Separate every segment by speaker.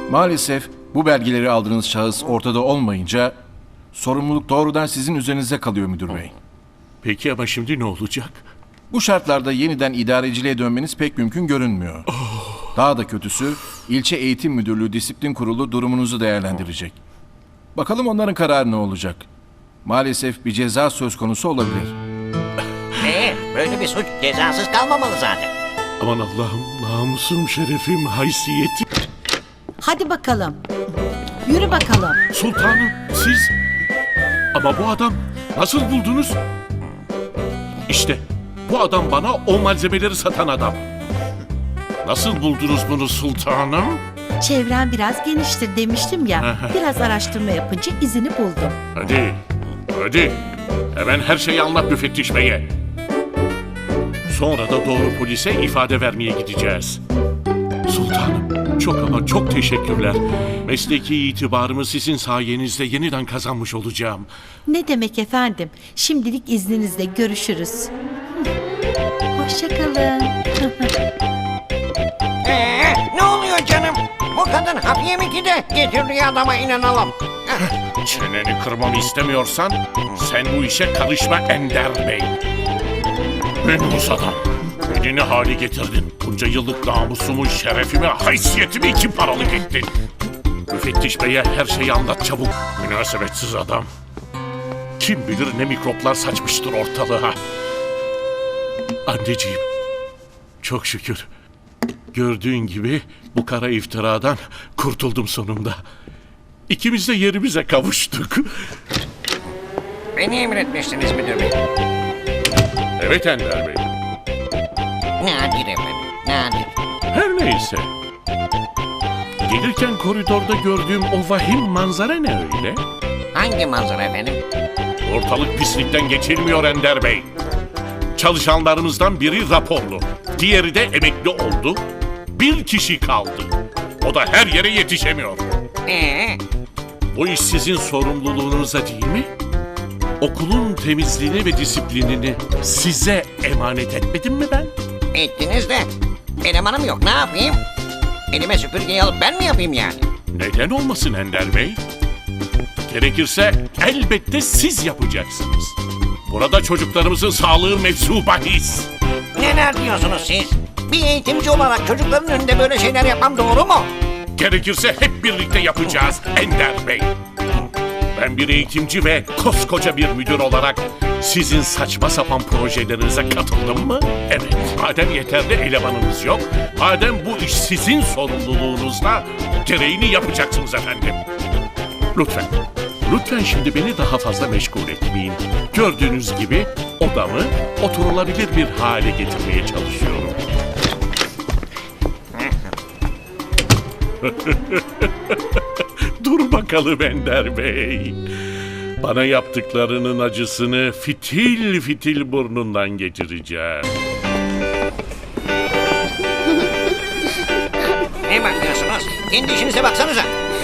Speaker 1: Maalesef bu belgeleri aldığınız şahıs ortada olmayınca sorumluluk doğrudan sizin üzerinize kalıyor müdür bey.
Speaker 2: Peki ama şimdi ne olacak?
Speaker 1: Bu şartlarda yeniden idareciliğe dönmeniz pek mümkün görünmüyor. Daha da kötüsü, ilçe eğitim müdürlüğü disiplin kurulu durumunuzu değerlendirecek. Bakalım onların kararı ne olacak? Maalesef bir ceza söz konusu olabilir.
Speaker 3: Böyle bir suç cezasız kalmamalı zaten.
Speaker 2: Aman Allah'ım, namusum, şerefim, haysiyetim.
Speaker 4: Hadi bakalım. Yürü bakalım.
Speaker 2: Sultanım, siz... Ama bu adam nasıl buldunuz? İşte bu adam bana o malzemeleri satan adam. Nasıl buldunuz bunu sultanım?
Speaker 4: Çevren biraz geniştir demiştim ya. Biraz araştırma yapınca izini buldum.
Speaker 2: Hadi. Hemen her şeyi anlat müfettiş beye. Sonra da doğru polise ifade vermeye gideceğiz. Sultanım, çok ama çok teşekkürler. Mesleki itibarımı sizin sayenizde yeniden kazanmış olacağım.
Speaker 4: Ne demek efendim? Şimdilik izninizle görüşürüz. Hoşçakalın.
Speaker 3: Ne oluyor canım? Bu kadın hap yemeki de getirdiği adama inanalım.
Speaker 2: Çeneni kırmamı istemiyorsan sen bu işe karışma Ender Bey. Menhus adam. Beni ne hale getirdin? Bunca yıllık namusumu, şerefimi, haysiyetimi iki paralık ettin. Müfettiş beye her şeyi anlat çabuk. Münasebetsiz adam. Kim bilir ne mikroplar saçmıştır ortalığa. Anneciğim, çok şükür. Gördüğün gibi bu kara iftiradan kurtuldum sonunda. İkimiz de yerimize kavuştuk.
Speaker 3: Beni emretmişsiniz müdür bey.
Speaker 2: Evet Ender Bey.
Speaker 3: Nadir efendim, nadir.
Speaker 2: Her neyse. Gelirken koridorda gördüğüm o vahim manzara ne öyle?
Speaker 3: Hangi manzara efendim?
Speaker 2: Ortalık pislikten geçilmiyor Ender Bey. Çalışanlarımızdan biri raporlu. Diğeri de emekli oldu. Bir kişi kaldı. O da her yere yetişemiyor. Bu iş sizin sorumluluğunuza değil mi? Okulun temizliğini ve disiplinini size emanet etmedim mi ben?
Speaker 3: Ettiniz de elemanım yok, ne yapayım? Elime süpürgeyi alıp ben mi yapayım yani?
Speaker 2: Neden olmasın Ender Bey? Gerekirse elbette siz yapacaksınız. Burada çocuklarımızın sağlığı mevzu bahis.
Speaker 3: Neler diyorsunuz siz? Bir eğitimci olarak çocukların önünde böyle şeyler yapmam doğru mu?
Speaker 2: Gerekirse hep birlikte yapacağız Ender Bey. Ben bir eğitimci ve koskoca bir müdür olarak sizin saçma sapan projelerinize katıldım mı? Evet. Madem yeterli elemanınız yok, madem bu iş sizin sorumluluğunuzda, gereğini yapacaksınız efendim. Lütfen şimdi beni daha fazla meşgul etmeyin. Gördüğünüz gibi odamı oturulabilir bir hale getirmeye çalışıyorum. Dur bakalım Ender Bey. Bana yaptıklarının acısını fitil fitil burnundan geçireceğim.
Speaker 3: Ne bakıyorsunuz? Kendi işinize baksanıza.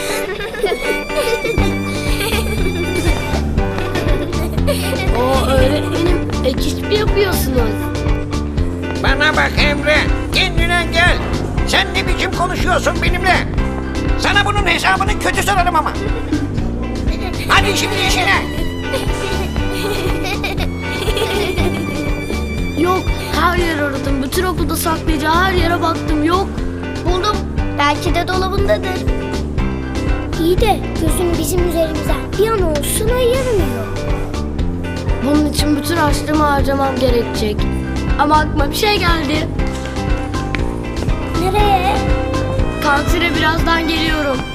Speaker 5: Öğretmenim ek iş mi yapıyorsunuz?
Speaker 3: Bana bak Emre, kendine gel. Sen ne biçim konuşuyorsun benimle? Sana bunun hesabını kötü sorarım ama. Hadi şimdi işine.
Speaker 5: Yok, her yer aradım. Bütün okulda saklayacağı her yere baktım. Yok.
Speaker 6: Buldum. Belki de dolabındadır. İyi de gözün bizim üzerimizden bir an olsun ayırmıyor.
Speaker 5: Bunun için bütün harçlığımı harcamam gerekecek. Ama aklıma bir şey geldi.
Speaker 6: Nereye?
Speaker 5: Kantine birazdan geliyorum.